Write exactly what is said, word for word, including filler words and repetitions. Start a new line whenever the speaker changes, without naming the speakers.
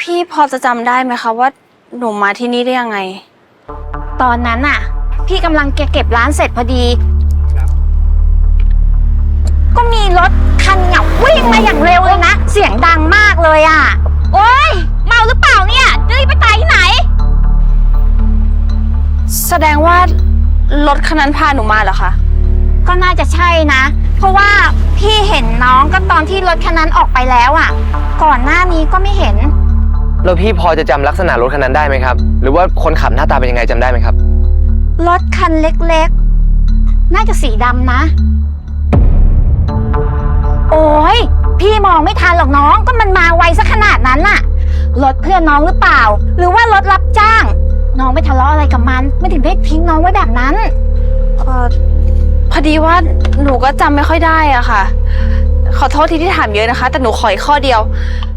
พี่พอจะจำได้ไหมคะว่าหนูมาที่นี่ได้ยังไง
ตอนนั้นน่ะพี่กำลังเก็บร้านเสร็จพอดีก็มีรถคันเหงาวิ่งมาอย่างเร็วเลยนะเสียงดังมากเลยอ่ะโอ๊ยเมาหรือเปล่าเนี่ยจะรีบไปตายที่ไหน
แสดงว่ารถคันนั้นพาหนูมาเหรอคะ
ก็น่าจะใช่นะเพราะว่าพี่เห็นน้องก็ตอนที่รถคันนั้นออกไปแล้วอ่ะก่อนหน้านี้ก็ไม่เห็น
แล้วพี่พอจะจำลักษณะรถคันนั้นได้ไหมครับหรือว่าคนขับหน้าตาเป็นยังไงจำได้ไหมครับ
รถคันเล็กๆน่าจะสีดำนะโอ้ยพี่มองไม่ทันหรอกน้องก็มันมาไวซะขนาดนั้นน่ะรถเพื่อนน้องหรือเปล่าหรือว่ารถรับจ้างน้องไม่ทะเลาะอะไรกับมันไม่ถึงได้ทิ้งน้องไว้แบบนั้น
เออพอดีว่าหนูก็จำไม่ค่อยได้อะค่ะขอโทษทีที่ถามเยอะนะคะแต่หนูขออีกข้อเดียว